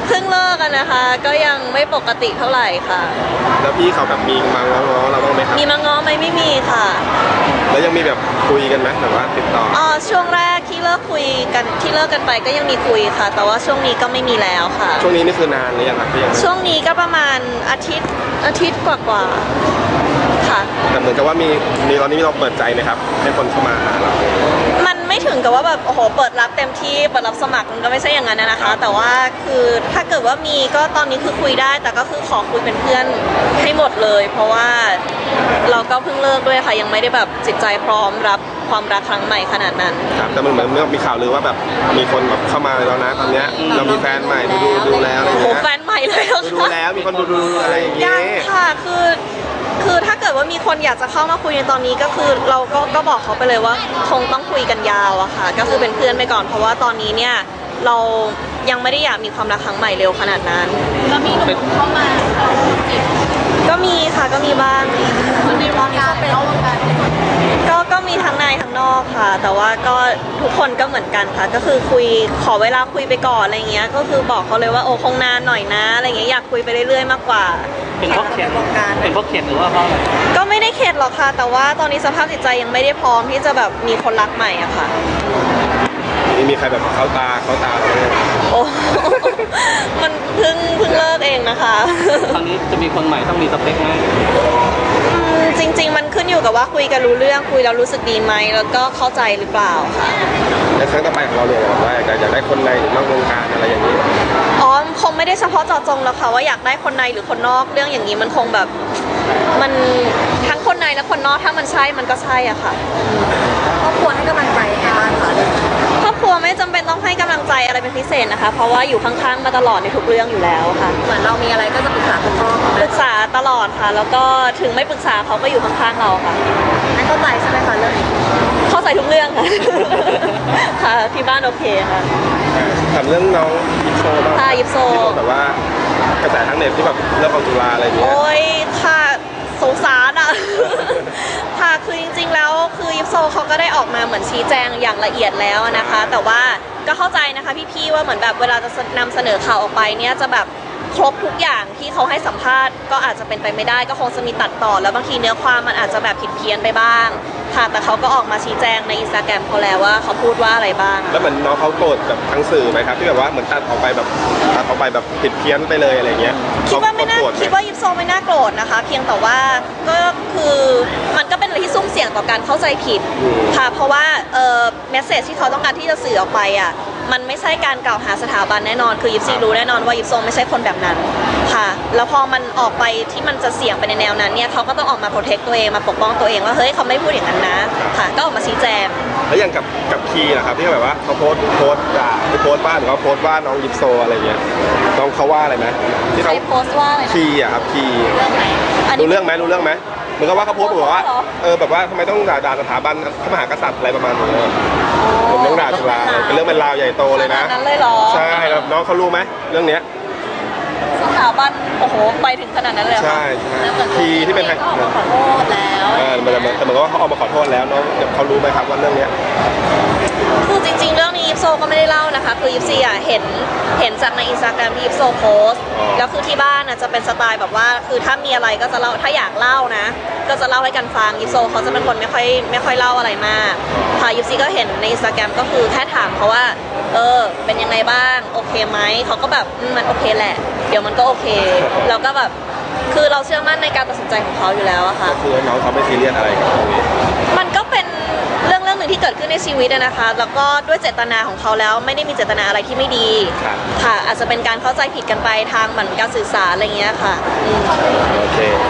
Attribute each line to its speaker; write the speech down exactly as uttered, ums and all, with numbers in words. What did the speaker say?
Speaker 1: เพิ่งเลิกกันนะคะก็ยังไม่ปกติเท่าไหร่ค่ะ
Speaker 2: แล้วพี่เขาแบบมีมาง้อๆเราบ้างไหมครับ
Speaker 1: มีมาง้อไหมไม่มีค่ะ
Speaker 2: แล้วยังมีแบบคุยกันไหมหรือว่าติดต่อ
Speaker 1: อ๋อช่วงแรกที่เลิกคุยกันที่เลิกกันไปก็ยังมีคุยค่ะแต่ว่าช่วงนี้ก็ไม่มีแล้วค่ะ
Speaker 2: ช่วงนี้นี่คือนานหรือยังครับพี่ยัง
Speaker 1: ช่วงนี้ก็ประมาณอาทิตย์อาทิตย์กว่าๆค่ะ
Speaker 2: แต่เหมือนกับว่ามีมีตอนนี้เราเปิดใจไหมครับให้คนเข้ามาหาเรา
Speaker 1: มันไม่ถึงกับว่าแบบโอ้โหเปิดรับเต็มที่เปิดรับสมัครมันก็ไม่ใช่อย่างนั้นนะคะแต่ว่าคือถ้าเกิดว่ามีก็ตอนนี้คือคุยได้แต่ก็คือขอคุยเป็นเพื่อนให้หมดเลยเพราะว่าเราก็เพิ่งเลิกด้วยค่ะยังไม่ได้แบบจิตใจพร้อมรับความรักครั้งใหม่ขนาดนั้น
Speaker 2: ครับแต่มันเหมือนเมื่อมีข่าวลือว่าแบบมีคนแบบเข้ามาแล้วนะตอนเนี้ยเรามีแฟนใหม่ดูดูแล้วอะไรเงี้ย
Speaker 1: โอ้แฟนใหม่เลยเหรอ
Speaker 2: ดูแล้วมีคนดูดูอะไรอย่างเงี้ย
Speaker 1: ค่ะคือคือถ้าเกิดว่ามีคนอยากจะเข้ามาคุยในตอนนี้ก็คือเราก็ก็บอกเขาไปเลยว่าคงต้องคุยกันยาวอะค่ะก็คือเป็นเพื่อนไปก่อนเพราะว่าตอนนี้เนี่ยเรายังไม่ได้อยากมีความรักครั้งใหม่เร็วขนาดนั้น
Speaker 3: แล้วมีหนุ่มเข้ามา
Speaker 1: ก็มีค่ะก็มีบ้าง
Speaker 3: คนในวงการเป็นวงการ
Speaker 1: ก็ก็มีทั้งในทั้งนอกค่ะแต่ว่าก็ทุกคนก็เหมือนกันค่ะก็คือคุยขอเวลาคุยไปก่อนอะไรเงี้ยก็คือบอกเขาเลยว่าโอ้คงนานหน่อยนะอะไรเงี้ยอยากคุยไปเรื่อยๆมากกว่า
Speaker 4: เป็นเพราะเข็ดเป็นเพราะเข็ดหรือว่าเพราะอะไร
Speaker 1: ก็ไม่ได้เข็ดหรอกค่ะแต่ว่าตอนนี้สภาพจิตใจยังไม่ได้พร้อมที่จะแบบมีคนรักใหม่อะค่ะ
Speaker 2: นี่มีใครแบบเข้าตาเข้าตาเราไหม
Speaker 1: โอ้มันเพิ่งเพิ่งเลิกเองนะคะ
Speaker 4: ครั้งนี้จะมีคนใหม่ต้องมีสเปคไหม
Speaker 1: จริงๆมันขึ้นอยู่กับว่าคุยกันรู้เรื่องคุยแล้วรู้สึกดีไหมแล้วก็เข้าใจหรือเปล่าค่ะ
Speaker 2: ในครั้งต่อไปของเราเลยว่าอยากอยากได้คนในหรือนอกวงการอะไรอย่างนี้
Speaker 1: อ๋อคงไม่ได้เฉพาะเจาะจงหรอกค่ะว่าอยากได้คนในหรือคนนอกเรื่องอย่างนี้มันคงแบบมันทั้งคนในและคนนอกถ้ามันใช่มันก็ใช่อ่ะค่ะ
Speaker 3: ครอบครัวให้กำลังใจใครบ้างคะ
Speaker 1: ครอบครัวไม่จำเป็นต้องให้กำลังใจอะไรเป็นพิเศษนะคะเพราะว่าอยู่ข้างๆมาตลอดในทุกเรื่องอยู่แล้วค่ะ
Speaker 3: เหมือนเรามีอะไรก็จะปรึกษาคุณพ่อ
Speaker 1: ปรึกษาตลอดค่ะแล้วก็ถึงไม่ปรึกษาเขาก็อยู่ข้างๆเราค่ะ
Speaker 3: นั่นเข้าใจใช่ไหมคะเรื่องนี้
Speaker 1: เข้าใจทุกเรื่องค่ะค่ะที่บ้านโอเคค่ะ
Speaker 2: ถามเรื่องน้องยิปโซบ้าง
Speaker 1: ค่ะยิปโซ
Speaker 2: แบบว่ากระแสทั้งเน็ตที่แบบเรื่องของจุฬาอะไรอย่างเงี้ย
Speaker 1: โอ้ยค่ะสงสารอ่ะค่ะคือจริงๆแล้วคือยิปโซเขาก็ได้ออกมาเหมือนชี้แจงอย่างละเอียดแล้วนะคะแต่ว่าก็เข้าใจนะคะพี่ๆว่าเหมือนแบบเวลาจะนำเสนอข่าวออกไปเนี่ยจะแบบครบทุกอย่างที่เขาให้สัมภาษณ์ก็อาจจะเป็นไปไม่ได้ก็คงจะมีตัดต่อแล้วบางทีเนื้อความมันอาจจะแบบผิดเพี้ยนไปบ้างค่ะแต่เขาก็ออกมาชี้แจงในอินสตาแกรมเขาแล้วว่าเขาพูดว่าอะไรบ้าง
Speaker 2: แล้วเหมือนน้องเขาโกรธแบบทั้งสื่อไหมครับที่แบบว่าเหมือนตัดออกไปแบบตัดออกไปแบบผิดเพี้ยนไปเลยอะไรเงี้ย
Speaker 1: คิดว่าไม่น่าคิดว่ายิปโซไม่น่าโกรธนะคะเพียงแต่ว่าก็คือมันก็เป็นอะไรที่ซุ่มเสี่ยงต่อการเข้าใจผิดค่ะเพราะว่าเอ่อเมสเซจที่เขาต้องการที่จะสื่อออกไปอ่ะมันไม่ใช่การกล่าวหาสถาบันแน่นอนคือยิปซีรู้แน่นอนว่ายิปโซไม่ใช่คนแบบนั้นค่ะแล้วพอมันออกไปที่มันจะเสี่ยงไปในแนวนั้นเนี่ยเขาก็ต้องออกมาโปรเทคตัวเองมาปกป้องตัวเองว่าเฮ้ยเขาไม่พูดอย่างนั้นนะค่ะก็ออกมาชี้แจง
Speaker 2: แล้วอย่างกับกับคีนะครับที่แบบว่าเขาโพสโพสด่าโพสบ้านหรือเขาโพสว่าน้องยิปโซอะไรเงี้ยน้องเขาว่าอะไรไหม
Speaker 1: ที่เขาโพสว่าอะไร
Speaker 2: คีอะครับคีรู้เรื่องไหมรู้เรื่องไหมเหมือนกับว่าเขาโพสบอกว่าเออแบบว่าทำไมต้องด่าด่าสถาบันพระมหากษัตริย์อะไรประมาณนี้ผมต้องด่าจุฬาเป็นเรื่องเป็นราวใหญ่โตเลยนะใช่แล้วน้องเขารู้ไหมเรื่องเนี้ย
Speaker 1: สถาบันโอ้โหไปถึงขนาดนั้นเลย
Speaker 2: ใช่ใช่ทีที่เป็น
Speaker 3: ขอโทษแล้ว
Speaker 2: เออแต่เหมือนว่าเขาออกมาขอโทษแล้วน้องเขารู้ไหมครับว่าเรื่องเนี้ย
Speaker 1: คือจริงๆเรื่องนี้ยิปโซก็ไม่ได้เล่านะคะคือยิปซีอ่ะเห็นเห็นจากในอินสตาแกรมที่ยิปโซโพสแล้วคือที่บ้านอ่ะจะเป็นสไตล์แบบว่าคือถ้ามีอะไรก็จะเล่าถ้าอยากเล่านะก็จะเล่าให้กันฟังยิปโซเขาจะเป็นคนไม่ค่อยไม่ค่อยเล่าอะไรมากค่ะยิปซีก็เห็นในอินสตาแกรมก็คือแค่ถามเขาว่าเออเป็นยังไงบ้างโอเคไหมเขาก็แบบมันโอเคแหละเดี๋ยวมันก็โอเคแล้วก็แบบคือเราเชื่อมั่นในการตัดสินใจของเขาอยู่แล้วอะค่ะ
Speaker 2: ก็คือน้องเขาไม่ซีเรียสอะไรกับตรงนี้
Speaker 1: มันก็เป็นเรื่องเรื่องหนึ่งที่เกิดขึ้นในชีวิตนะคะแล้วก็ด้วยเจตนาของเขาแล้วไม่ได้มีเจตนาอะไรที่ไม่ดีค่ะอาจจะเป็นการเข้าใจผิดกันไปทางเหมือนการสื่อสารอะไรเงี้ยค่ะ
Speaker 2: โอเค